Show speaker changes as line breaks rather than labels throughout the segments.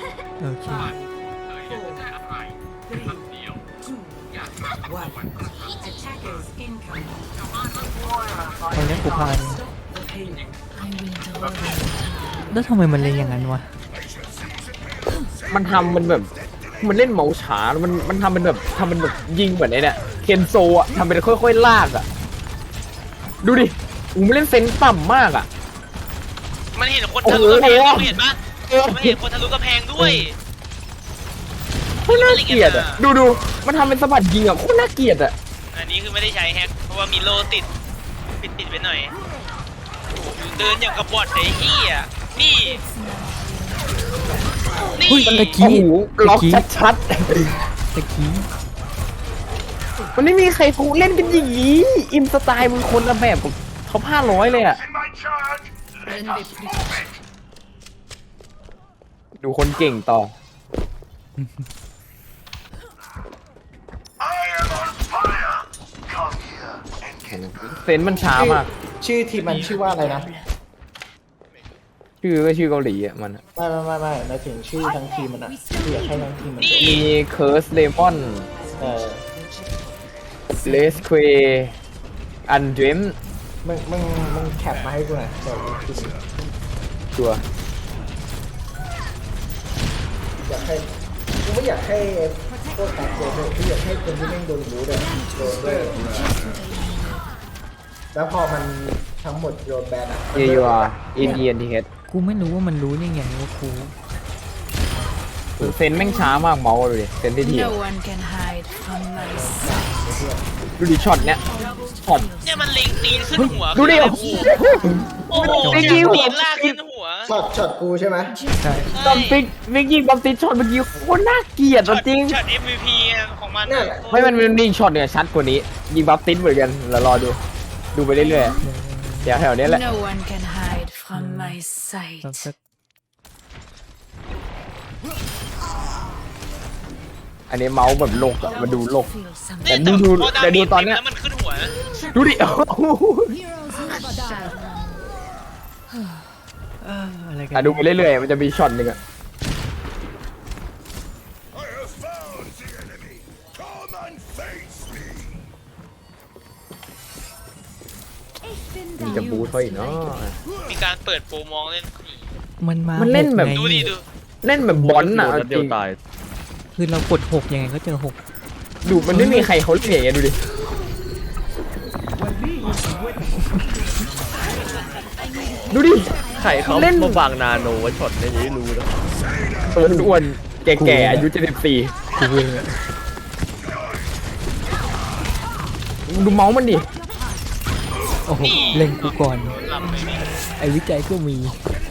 โอเค ตอนนี้กูพานแล้วทำไมมันเล่นอย่างนั้นวะ
มันทำมันแบบมันเล่นเมาส์ช้ามันทำเป็นแบบยิงเหมือนไอ้เนี่ยเคนโซอ่ะทำเป็นค่อยๆลากอ่ะดูดิมันเล่นเซนส์ต่ำมากอ่ะ
มันเห็นคนทะลุกระแพงเห็นปะมันเห็นคนทะลุกระแพงด้วย
โคตรน่าเกลียดอ่ะดูมันทำเป็นสะบัดยิงอ่ะโคตรน่าเกลียดอ่ะ
อันนี้คือไม่ได้ใช้แฮกเพราะว่ามีโลติดปิดไปหน่อยเดินอย่างกับบอทไอ้เหี้ยนี่
เฮ้ยตะ
โอ้
กี้
โหล็อกชัด
ตะกี้
ๆมันไม่มีใครเขาเล่นกันอย่างนี้อินสไตล์มึงคนละแบบกับเขา500เลยอ่ะดูคนเก่งต่อ เซนส์มันช้ามาก
ชื่อทีมมันชื่อว่าอะไรนะ
ชื่อก็ชื่อเกาหลีอ่ะมันอะ
ไม่หมายถึงชื่อทั้งทีมมันอะที่อยากให้ทั้งทีมมัน
มีเคิร์สเลมอน
เออ
เลสเควอันเดม
มึงแคปมาให้กูหน่อยเดี๋ยวกูพิมพ์
ตัว
อยากให้กูไม่อยากให้พวกการโดนเลยกูอยากให้คนที่แม่งโดนรู้เลยโดนด้วยแล้วพอมันทั้งหมดโดนแบนอะ
เยูอาร์อินเดียนทีเฮด
กูไม่รู้ว่ามันรู้ยังไงว่ากู
เซนส์แม่งช้ามากเมาส์เลยเซนที่ที
No one can hide from my sight.
ดูดิช็อตเนี้ยช็อต
เนี่ยมันเล็งตีนขึ้นหัว
ดูดิ
โอ้โห
ไม่ยิ
ตี
งหัว
นลากขึ้นหัว
ช็อตกูใช่ไหม
ใช่
ตอนฟิกมิกยิงบอมติดช็อตเมื่อกี้โคตรน่าเกลียด
ช็อต
จริง
ช็อต MVP ของมัน
นั่นแหละ
ไม่มันมีช็อตเนี่ยชัดกว่านี้ ยิงบัฟติดเหมือนกันแล้วรอดูไปเรื่อยๆเดี๋ยวแถวเนี้ยแหละ
No one can hide from my
ตอน
sight.
สัก
อันนี้เมาส์แบบโลกอะมาดูโลก
Feel something.
แต่
เนี่ย
ดู
พอดา
แต่
เม
ดู
จ
ตอน
เต็ม
เนี้ย
แล้วมันขึ้นหัวนะ
ดูดิ
อะไรกัน
อ่ะดูไปเรื่อยๆมันจะมีช็อตหนึ่งอะมีจะบูทเขาอีกเนาะ
มีการเปิดโปรมองเล่น
มันมา
มันเล่นแบบ
หกไง
ดูดิดู
เล่นแบบบอลน่ะ
โดนนัด
จ
เดี
ริ
ยว
ง
ตาย
คือเรากดหกยังไงก็เจอหก
ดูมันไม่มีใครเขาเล่นอย่างเงี้ยดูดิดูดิ
ใครเขา
เล่น
มาวางนาโนไว้ช็อตเนี่ยยังไม่รู้นะ
ตัวอ้วนๆแก่ๆอายุ74
กูเองอะ
ดูเมาส์มันดิ
โอ้โหเล่นกูก่อน
หลับไปนี่
ไอ้วิจัยก็มี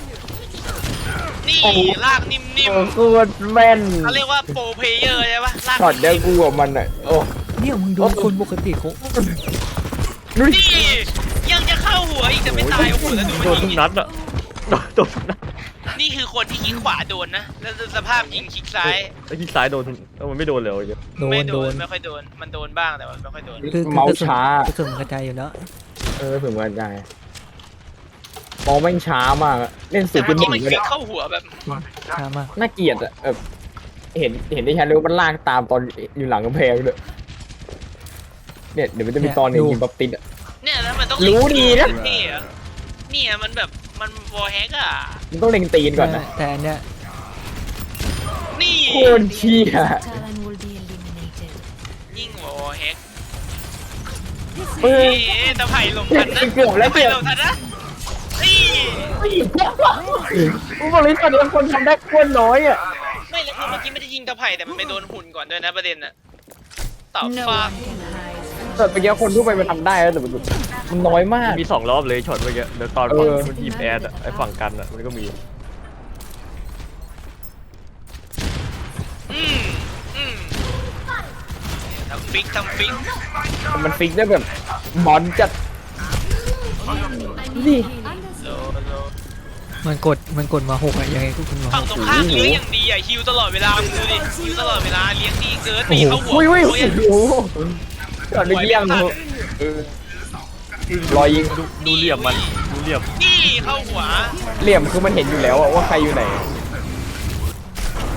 นี่ลากนิ่ม
โอ้โคตรแม่น
ๆเขาเรียกว่าโปรเพลเยอร์ใช่ปะลาก
ช็อตเดียวกูกับมันอ่ะโอ้
เนี่ยมึงดูคนปกติเขา
ดูดิ
นี่ยังจะเข้าหัวอีกจะไม่ตายโอ้โหแล้วดู
โด
มัน น
ทุ
ยิ
ก
ง
นัดอะโดนทุกนัด
นี่คือคนที่คลิกขวาโดนนะแล้วสภาพยิงคลิกซ้าย
ไอ้ที่ซ้ายโดนมันไม่โดนเลย
โด
ไม่
น
โด
โด
น
น
ไม่ค่อยโดนมันโดนบ้างแต่ว่าไม่ค่อยโดน
คือ
เมาส์ช้า
กระสุนกระจายอยู่แล้ว
ถึงวันได้มองแม่งช้ามากอะเล่นสุ
แต่
ดจ
เมื่อน
ห
กี้
นึ่
มัน
ง
ค
เล
ลิ
ย
กเข้าหัวแบบ
ช้ามาก
น่าเกลียดอ่ะเห็นได้ชัดเลยว่ามันลากตามตอนอยู่หลังกำแพงเลยเนี่ยเดี๋ยวมันจะมีตอนหนึงยิงบัฟติดอ่ะ
เนี่ยแล้วมันต้อง
รู้ดีนะ
เท่อะเนี่ยมันแบบมันวอลแฮกอะ
มันต้องเล็งตีนก่อนนะ
แต่อันเนี้ย
นี่
โคตรเชี่ย
Talon will be eliminated.
ยิ่งวอลแฮก
เฮ้ย
นี่ตะไผ่ลงทันนะ
เกือบแล้ว
ตะไผ่ลงทันนะนี่
กูบอกเลยตอนนี้คนทำได้โคตรน้อยอ่ะ
ไม่แล้วคือเมื่อกี้ไม่ได้ยิงตะไผ่แต่มันไปโดนหุ่นก่อนด้วยนะประเด็นอะตอบ
No
ฟ้า
one can hide.
แต่เมื่อกี้คนทั่วไปมันทำได้แล้วแต่มันน้อยมาก
มี2 รอบเลยช็อตเมื่อกี้เดี๋ยวตอนฝั่งมันทีมแอดอะไอ้ฝั่งกันอะมันก็มี
อืมอืมทำฟิก
มันฟิกได้แบบบอลจัดดิ
โลโล
มันกดมาหกอะยังไงก็คุณมาห
ฝั่ง
ก
ตรงข้ามเลี้ยงอย่างดีอะฮิวตลอดเวลามึงดูดิฮิวตลอดเวลาเลี้ยงดีเกินตีเข้าหัว
อุ้ย
โอ้
โอ้โหก่อนไปเยี่ยมรอยยิง
ดูเหลี่ยมมันดูเหลี่ยม
นี่เข้าหัว
เหลี่ยมคือมันเห็นอยู่แล้วอะว่าใครอยู่ไหน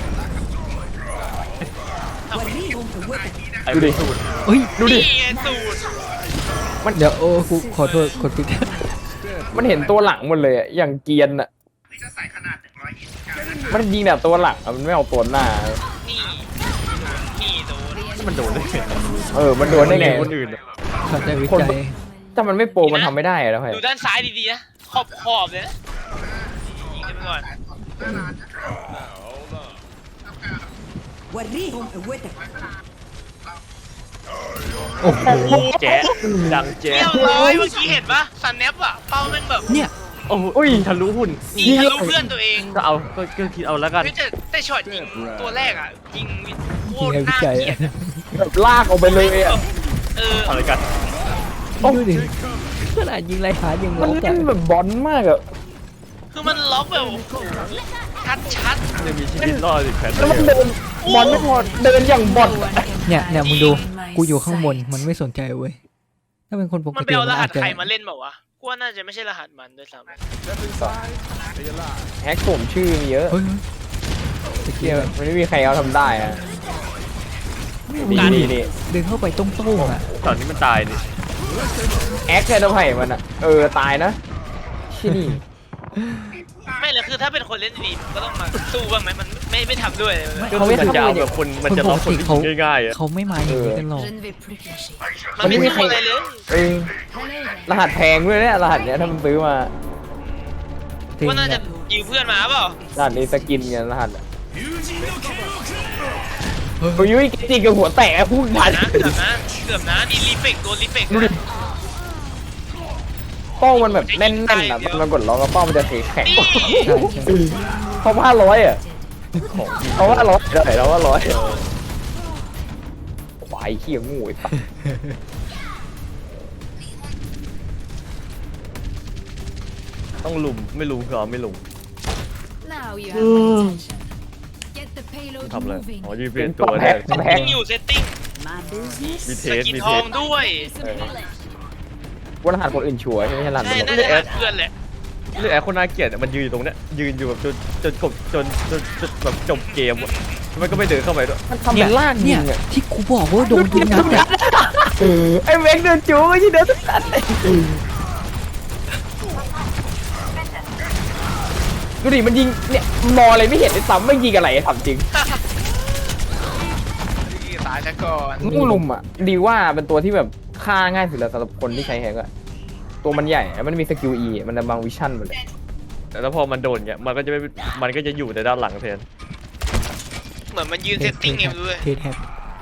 ไอ้
ดูดิ
สูตร
เฮ้ย
ดูดิ
นี่ไงสูตร
เดี๋ยวโอ้กูขอโทษกดผิด
มันเห็นตัวหลังหมดเลยอะอย่างเกรียนอะมันยิงแบบตัวหลังอะมันไม่เอาตัวหน้า
นี่นี่โดน
มันโดนได้ไง
มันโดนได้ไง
คนอื่นอะ
เข้าใจวิจัย
ถ้ามันไม่โปรมันทำไม่ได้อะแล้วไง
ดูด้านซ้ายดีๆนะขอบเลยนะยิงกันไปก่อน
โอ้โห
แจ๊ะดังแจ๊ะ
เรียบร้อยเมื่อกี้เห็นปะซันแนปอะเป้าแม่งแบบ
เนี่ย
โอ้ยทะลุหุ่น
ยิงทะลุเพื่อนตัวเอง
ก็เอาก็คิดเอาแล้วกัน
เฮ้ยแต่ช็อตยิงตัวแรกอะยิงโค
ยิง
ตร
ให้วิ
น่า
จัย
เกลียด
แบบลากออกไปเลยอะ
อะไรกัน
ดูดิขนาดยิงไรหายัง
มัน
ล็อก
เล่
อะ
นแบบบอลมากอะ
คือมันล็อกแบบโอ้โหชัด
ยังมีชีวิตรอดอีกแพท
แล้วมันเดินบอลไม่พอเดินอย่างบอล
No one can
เนี่ยมึง
hide
ดู
from my
กูอยู่ข้างบน
sight.
มันไม่สนใจเว้ยถ้าเป็นคนป
ๆ
ก
มันไป
ติ
เอาร
มัน
หั
อา
ส
จจะ
ใครมาเล่นเปล่าวะกูว่าน่าจะไม่ใช่รหัสมันด้วยซ้ำ
แฮกผมชื่อมีเยอะ
เฮ้ยตะ
เที่
เกี
ย
ยบ
มันไม่มีใครเอาทำได้อะนี่นี่นี่
เดินเข้าไปต้งๆอ่ะ
ตอนนี้มันตายนี่
แอคแค่ตัวไผ่มันอะตายนะที่นี่
ไม่เลยคือถ้าเป็นคนเล่นดีๆมันก็ต้องมาสู้บ้างไหมมันไม่ทำด้วยเลย
ก็
เขา
คือ
ไม่
มัน
ทำ
จะเอา
เลย
แบบคนมันจะล็อกคนที่ยิงง่ายๆอ่ะ
เขาไม่มาอย่างนี้กันหรอก
Je ne vais plus cacher.
มันไม่สู้อะไรเลย
รหัสแพงด้วยเนี่ยรหัสเนี้ยถ้ามันซื้อมา
ว่าน่าจะยืมเพื่อนมาเปล่าร
หัสนี้สกินเงี้ยรหัสอะโอ้ยจริงกับหัวแตกอะพูดทัน
นะเกือบนะนี่รีเฟกโดนรีเฟก
ดูดิ ป้องมันแบบแน่นๆอะมันกดล็อกแล้วป้องมันจะสีแข็ง
นี่
ใช่ใช่
เขา500อะเขา500ได้แล้วว่า100ควายเขี้ยงูไอ้สัส
ต้องลุมไม่ลุมคือเอาไม่ลุม
Now you have my attention. Get the payload
ทำอะไร
moving.
อ๋อยืนเปลี่ยนตัวเนี่ย
แพ็ค
ยังอยู่เซตติ้ง
มีเท
ส
ส
กิน
มี
ท
เท
อง
ส
ด้วย
ว่ารหัสคนอื่นชัวร์ใช่ไหมรหัส
ใช่
มัน
น่าจะหัดเพื่อนแหละ
เรื่องแอร์คนน่าเกลียดอะมันยืนอยู่ตรงเนี้ยยืนอยู่แบบจนแบบจบเกมอะมันก็ไม่เดินเข้าไปด้วย
มันทำเป็นลากยิ
เนี่ย
งอะ
ที่กูบอกว่าโดนยิงนัดอะ
ไอ้เม็กเดินจูไม่ใช่เดินสักนัดดูดิมันยิงเนี่ยมองอะไรไม่เห็นเลยซ้ำไม่ยิงอะไรถามจริง
ตายซะก่อน
งูลุมอ่ะดีว่าเป็นตัวที่แบบฆ่าง่ายสุดแล้วสำหรับคนที่ใช้แฮกอะตัวมันใหญ่แล้วมันมีสกิล E มันจะบังวิชั่นหมดเลย
แล้วพอมันโดนเงี้ยมันก็จะไม่มันก็จะอยู่แต่ด้านหลังแทน
เหมือนมันยืนเซตติ้งเองด้วย
เทสแฮก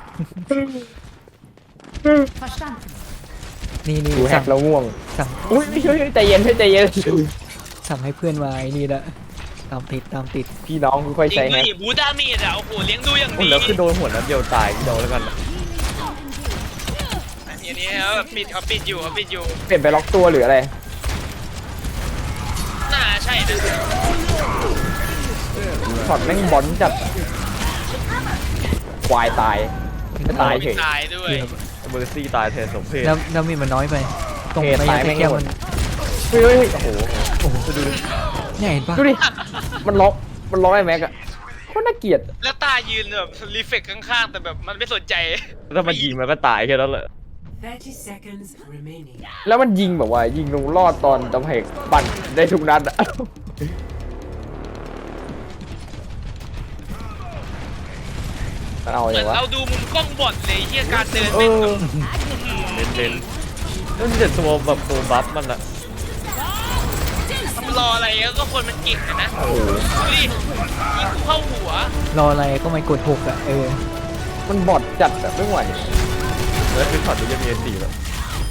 นี่
ดูแฮ
สั่
ก
ง
แล้วง่วง
สั่ง
อุ้ยใจเย็นใจเย็น
สั่งให้เพื่อนมาไอ้นี่ละตามติด
พี่น้องค่อย
จริ
ใช้
ง
แฮ
ด้ว
ก
ยบูดาเมจอะโอ้โหเลี้ยงดูอย่าง
โอ้
ดี
แล้วคือโดนหัวนัดเดียวตายโดนแล้วกันอะ
อันนี้เขาปิดอยู่
เปลี่ยนไปล็อกตัวหรืออะไร
น่าใช่นะ
ช็อตแม่งบอลจัดควายตายไม่ตายเฉย
ตายด้วย
เบอร์ซี่ตายแทนสมเพศ
แล้วมีมันน้อยไป ตรง
เพจ
ระ
ตาย
ยะ
ไม่
แก้ว
หม
มั
ด
น
เฮ้ยโอ้โห
โอ้โหดูดิเนี่ยเห็นปะ
ดูดิมันล็อกไอ้แม็กอะโคตรน่าเกลียด
แล้วตายืนแบบรีเฟกข้างๆแต่แบบมันไม่สนใจ
ถ้ามันยิงมันก็ตายแค่นั้นแหละ
30 seconds remaining.
แล้วมันยิงแบบว่ายิงลงรอดตอนจำเพกปั่นได้ทุกนัดอะมันเอา
เหมื
อ
อน
ย่างวะ
เราดูมุมกล้องบอดเลยที่การเดิน
เอ
แม่ง
อ
แบบ
เน้นนั่นจะตัวแบบตัวบัฟมันอะ
รออะไรก็คนมันเก่งอะนะดูดิยิงกูเข้าหัว
รออะไรก็ไม่กด6อ่ะ
มันบอดจัดแบบไม่ไหว
แล้วคือช็อตนี้จะมี4แล้ว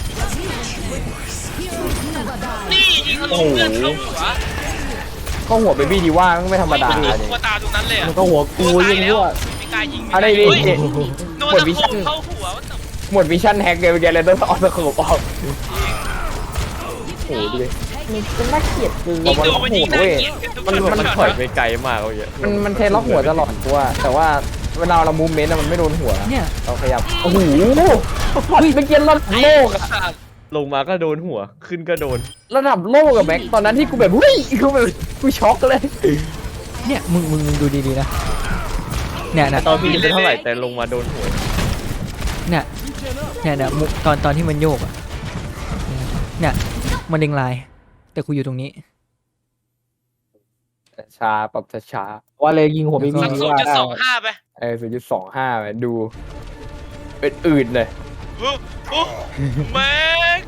นี่ยิงทะลุเพื่อนเข้าหัว
เข้าหัวเบบี้ดีว่าไม่ธรรมดา
มันโดน
เลย
ตัวตาตรงนั้นเลยอะ
มันก็หัวกูยิงด้วย
ไม่กล้ายิง
อะไรดิ
เฮ้ย
เจ
โดน
หมด
ตะ
วิ
โข
ชั่น
บเข้าหัววะแต่
หมดวิชั่นแฮกเลยเมื่อกี้เลยต้องเอาตะขบออกโอ้โหดูดิมันน่าเกลียดคือ
ยิง
มัน
ดู
ล็อก
มัน
หั
ยิ
ว
งน่า
เว้ย
เกลียดกันทุก
มัน
ช็อต
มัน
ช็อต
ถอย
อะ
ไปไกลมากเลยอะ
มันเทล็อกหัวตลอดตัวแต่ว่าเวลาเรามูฟเมนต์มันไม่โดนหัว
เนี่ย
เราขยับโอ้โหเมื่อกี้ระดับโลกอะ
ลงมาก็โดนหัวขึ้นก็โดน
ระดับโลกอะแม็กตอนนั้นที่กูแบบเฮ้ยกูช็อกเลย
เนี่ยมึงดูดีๆนะเนี่ยนะ
ตอนพี่จะเป็นเท่าไหร่แต่ลงมาโดนหัว
เนี่ยมุตอนที่มันโยกอ่ะเนี่ยมันเล็งลาย แต่กูอยู่ตรงนี้
ช้าปรับช้าๆว่าเลยยิงหัวไม่มี
สัก
ว่าได้
0.25 ไป
0.25ไปดูเป็นอื่นเลย
โอ้โอ้แม็ก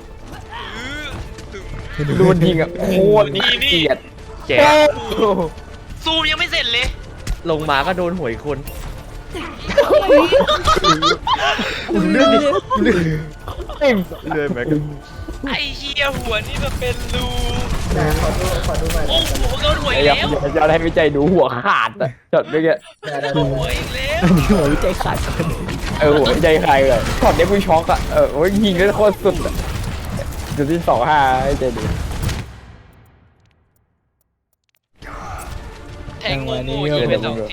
ดูมันยิงอ่ะโคตรน่าเกลียด
แจก
ซูมยังไม่เสร็จเลย
ลงมาก็โดนหวยคน
เลือดดิเลือด
เลื่อยแม็ก
ไอ้เหี้ยหัวนี่มันเป็นรู
แต่ขอดูหน่อย
โอ้โหโดนหัวอีก
อย่า
แล้ว
อย่าให้วิจัยดูหัวขาดอ่ะจดไปแก
ได้
หัวอีกแล้ว
หัววิจัยขาดกัน
หัววิจัยใครเลยช็อตนี้กูช็อกอ่ะโอ้ยยิงได้โคตรสุดอ่ะจุดที่25ให้ใจดู
แทงงูงูยิงไป2 ที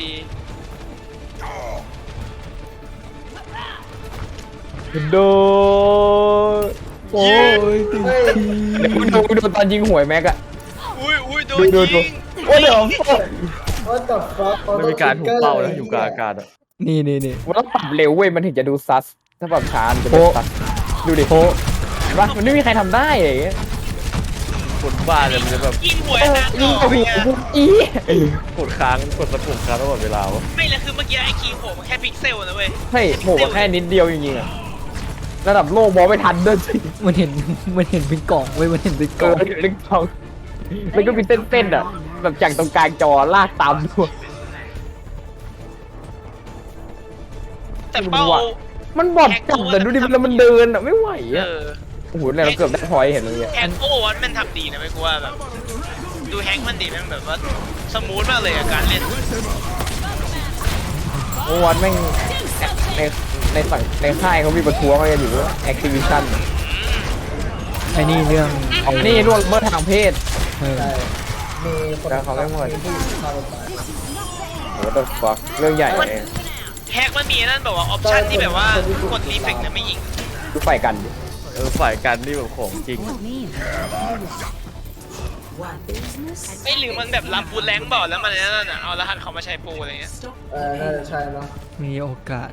โดโอ้ยเดี๋ยวกูดูตอนยิงหวยแม็กอะ
อุ้ยโด
ดู
นยิง
โอ้เดี๋ยว
ว่าแต่ฟัก
ไม่มีการถูกเป้าแล้วอยู่กลางอากาศอะ
นี่
มันต้องปรับเร็วเว้ยมันถึงจะดูซัสถ้าปรับช้ามันจะเป็นซัสดูดิโเห็นปะมันไม่มีใครทำได้เลย
คนบ้าเลยมันจะแบบ
ยิงหัวนะ
ยิง
ต่
กั
อบ ไป
หัว
ไง
กูอี
กดค้างกดสะปุ่มค้างตลอดเวลาวะ
ไม่แล้วคือเมื่อกี้ไอ้คีย์โหมันแค่พิกเซลนะเว้ย
เฮ้ยโหแค่นิดเดียวจริงๆอะระดับโลกมองไม่ทันด้วยสิ
มันเห็นเป็นกล่องเว้ยมันเห็นเป็นกล่อง
ลึกทองแล้วก็มีเส้นๆอะแบบจากตรงกลางจอลากตามด้วย
แต่เป้า
มันบอดจับแต่ดูดิแล้วมันเดินอะไม่ไหว
เอ
อะ
อ
โอ้โหเนี่ยเราเกือบได้พอยต์เห็นเลยอะ
แฮงโอวัตมันทำดีนะไม่กูว่าแบบดูแฮงมันดีมันแบบว่าสมูทมากเลยอะการเล่น
เมื่อวานแม่งในฝั่งในค่ายเขามีประท้วงอะไรกันอยู่ว่า Activision
ไอ้นี่เรื่อง
นี่ร่วงเมื่อทางเพศ
เออ
ใช่มีคน
แล้วเขาไม่หมด
มีผู้หญิงฆ่าตัวตาย
โอ้ the fuck เรื่องใหญ่เลย
แฮกมันมีนั่นแบบว่าออปชั่นที่แบบว่ากดรีเฟกต์นะไม่ยิง
ดูไฟกันดิ
ฝ่ายกันนี่แบบของจริง
ไม่หรือมันแบบรับบูทแรงบอกแล้วมันนั่นน่ะเอารหัสเขามาใช้ปูอะไรเงี้ย
น่าจะใช่เนาะ
มีโอกาส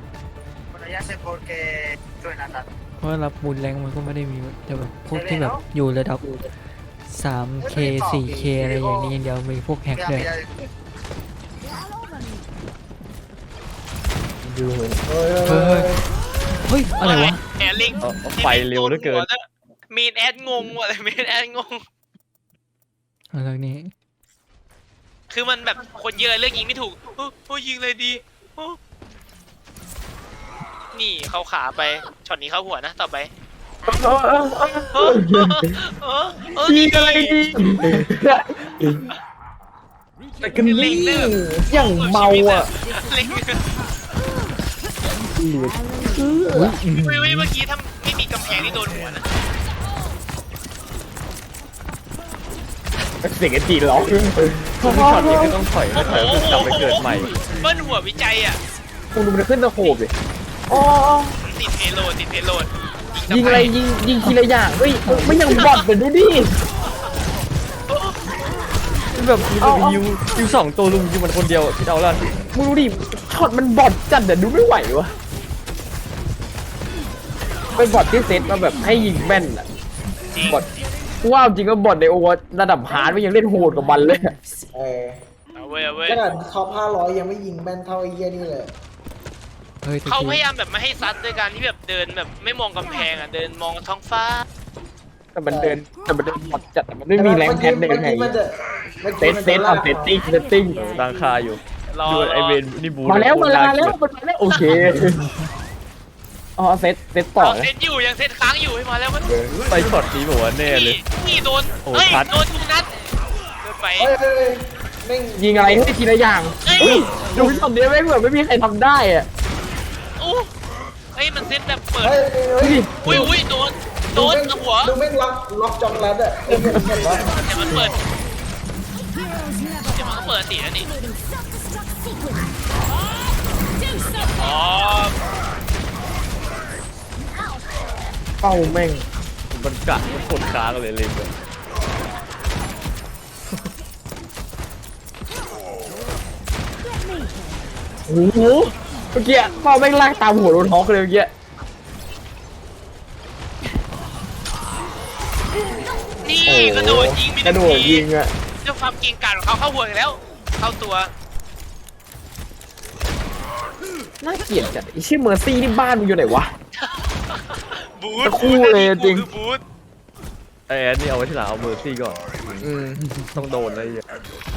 เพราะรับบุญแรงมันก็ไม่ได้มีแต่แบบพวกที่แบบอยู่ระดับ 3K 4K อะไรอย่างนี้อย่างเดียวมีพวกแฮกด้วย
ดูเหมือน
เฮ้ย
เฮ้ยอะไรวะ
แอร์ลิง
ไฟเร็วเหลือเกิน
มีนแอดงงว่ะอะไรมีนแอดงง
อะไรนี่
คือมันแบบคนเยอะเลือกยิงไม่ถูกโอ้ยิงเลยดีโอ้นี่เข้าขาไปช็อตนี้เข้าหัวนะต่อไปยิงอะไรดี
แต่กันนี่อย่างเมาอ่ะ
เล็ง
เหลือ
เมื่อกี้ถ้าไม่มีกำแพงนี่โดนหัวนะ
เสียงไอ้จีนร้อง
คือช็อตนี้คือต้องถอยไม่ถอยก็คือกลับไปเกิดใหม่
เบิ้ลหัววิจัยอ่ะ
มึงดูมันขึ้นตะโขบดิอ๋อ
ติดเพโลด
ยิงอะไรยิงทีละอย่างเฮ้ยไม่ยังบอดเลยดูดิ
แบบยิว2 ตัวลุมยิงมันคนเดียวคิดเอาละ
มึงดูดิช็อตมันบอดจัดแต่ดูไม่ไหววะเป็นบอดที่เซตมาแบบให้ยิงแม่นอะบอดกูว่าจริงก็บอดในโอวระดับฮาร์ดไม่ยังเล่นโหดกับมันเลย
เอาเว้ย
ขนาดท็อป500ยังไม่ยิงแม่นเท่าไอ้เหี้ยนี่เลย
เฮ้ยแต่
เขา
กู
พยายามแบบไม่ให้ซัดด้วยการที่แบบเดินแบบไม่มองกำแพงอ่ะเดินมองท้องฟ้า
แต่มันเดินบอดจัดแต่มันไม่มีแรงแพนเดินไง
มันจะ
เซตเอาเซตติ้ง
ดังคาอยู่
รอ
ดูไอเวนนี่บู
มาแล้วโอเคอ๋อเซตต่อ
เอา
นะ
เซตอยู่ยังเซตค้างอยู่ให้มาแล้วมัน
ไปช็อตนี้บอกว่าแน่เลย
นี่โดน
โอ้
เฮ้ย
ชัด
โดนทุกนัดเดินไป
เฮ้ยแม่ง
ยิงอะไรให้ทีละอย่าง
เฮ้ย
ดูช็อตนี้ไม่เหมือนไม่มีใครทำได้อะ
โอ้เฮ้ยมันเซตแบบเปิด
เฮ้ย
อุ้ยโดนหัว
ดูแม่งล็อกจองรัดอะเห็นปะ
เดี๋ยวมันเปิดเดี๋ยวมันก็เปิดตีแล้วนี่อ๋อ
เป้าแม่ง
มันกะมันกดค้างเลยเลยแบบ
โอ้โหเมื่อกี้เป้าแม่งลากตามหัวโดนฮอกเลยเมื่อกี้
กระโดดยิงมี
กระโดดยิงอะ
ด้วยความเก่งกาจของเขาเข้าหัวอีกแล้ว เข้าตัว
น่าเกลียดจัดไอ้ชื่อเมอร์ซี่นี่บ้านมึงอยู่ไหนวะ
บูธ
ตะคู่เลยจริง
คือบูธ
ไอ้แอนนี่เอาไว้ที่หลังเอาเมอร์ซี่ก่อน
อืม
ต้องโดนอะไรอย่างเงี้ย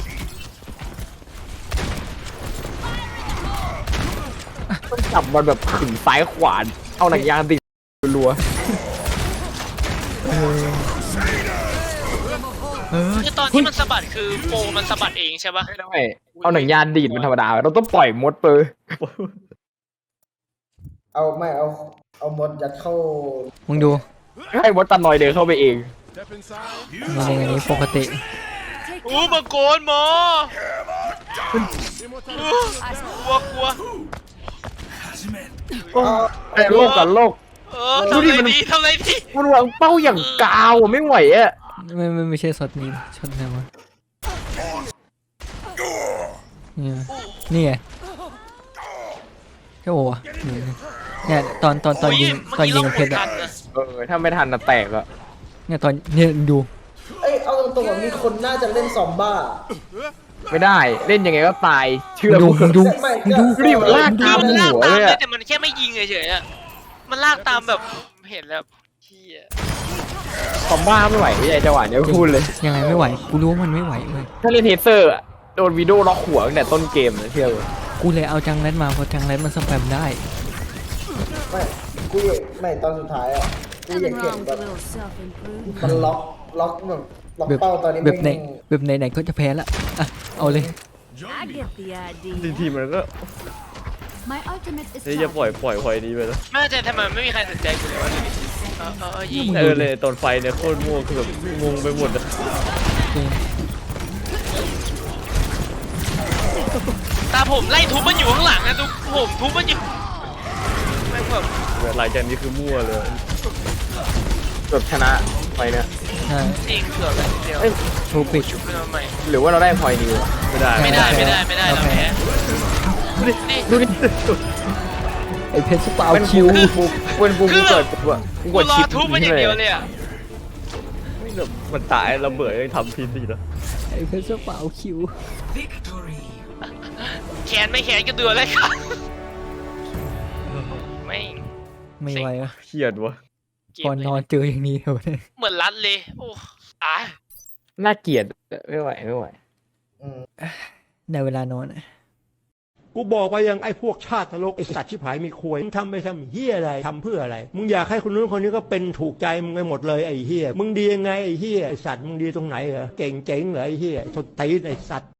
ต้องจับมันแบบขึงซ้ายขวานเอาหนังยางติดรัว
คือตอนที่มันสะบัดคือโปรมันสะบัดเองใช่ปะ
ไม่ได้เอาหนังยางดีดมันธรรมดาเราต้องปล่อยมดเปอร์
เอาไม่เอามดยัดเข้า
มึงดู
ให้มดตันลอยเดินเข้าไปเอง
ในอันนี้ปกติ
อู้มังกรหมอกลัวกลัว
ไอ้โลกกับโลก
ทำอะไรดีทำอะไรดี
มันวางเป้าอย่างกาวอะไม่ไหวอะ
ไม่ใช่ช็อตนี้ช็อตไหนวะนี่ไงเจ้าโอ้อะเนี่ยตอนยิงกับเพชรอะ
ถ้าไม่ทันน่ะแตกอะ
เนี่ยตอนเนี่ยดู
เอ้ยเอาตรงๆว่ามีคนน่าจะเล่นซอมบ้า
ไม่ได้เล่นยังไงก็ตายเชื่อ
ดู
กู
มึงดู
ไม่
มึงดู
รีบลากตาม
มันลาก
หัว
ตาม
เลย
เลย
อะ
แต่มันแค่ไม่ยิงเฉยๆอะมันลากตามแบบเห็นแล้วเฮีย
คอมบ้าไม่ไหวไม่ใช่จังหวะเนี้ยพูดเลย
ยังไงไม่ไหวกูรู้ว่ามันไม่ไหวเว้ย
ถ้าเล่นเทเซอร์อะโดนวีดีโอล็อกหัวตั้งแต่ต้นเกมเลยเชื่อเลย
กูเลยเอาจังแรดมาเพราะจังแรดมันสแปมได้
ไม่กูไม่ตอนสุดท้ายอ่ะกูอยาก
Nothing
เห็น
wrong
แบ
with
บ
a little self-improvement.
มันล็อกแบบล็อก
แบบ
เป้าตอนนี้
แบบไหน
แม่ง
แบบไหนก็จะแพ้ละอ่ะเอาเลย
I get the
ที
idea.
มันก็
My ultimate is
นี่จะปล่อย
charging.
นี้ไปแล้ว
ไม่แต่ทำไมไม่มีใครสนใจกูเลยวะยิง
เลยตอนไฟเนี่ยโคตรมั่วคือแบบงงไปหมดอะ
ตาผมไล่ทุบมันอยู่ข้างหลังนะทุกผมทุบมันอยู่แม่งแบบ
หลังจากนี้คือมั่วเลย
แบบชนะไปเนี่ย
ใช่
จริงเกือบแล้วเดียว
ทูปิด
ชุบขึ้นมาใหม่
หรือว่าเราได้พอยนิวอะ
ไม่ได้
ไม่ได้เราแพ้นี่
ดูดิ
ไอเพชรสปาว
เป็น
คิว
กูเป็นกูเกิดปุ๊บอะกู
กู
กด
รอ
ชิป
ทุบมันอย่างเดียวเลยอ่ะ
มันตายระเบิดยังทำพิษดีแล้ว
ไอเพชรสปาวคิว
Victory.
แขนไม่แขนก็เดือดเลยครับไม่
ไม่ไหวอะ
เครียดวะ
เก
ก่อน
ม
นอนเจออย่างนี้เหรอเนี่ย
เหมือนรัดเลยโอ้ตาย
น่าเกลียดไม่ไหวไม่ไหว
อืม
ในเวลานอนอะ
กูบอกไปยังไอ้พวกชาตินรกไอ้สัตว์ชิบหายมีควยมึงทำไปทำเฮียอะไรทำเพื่ออะไร มึงอยากให้คนนู้นคนนี้ก็เป็นถูกใจมึงไปหมดเลยไอ้เฮียมึงดียังไงไอ้เฮียไอ้สัตว์มึงดีตรงไหนเหรอเก่งเจ๋งเหรอไอ้เฮียสดตีนไอ้สัตว์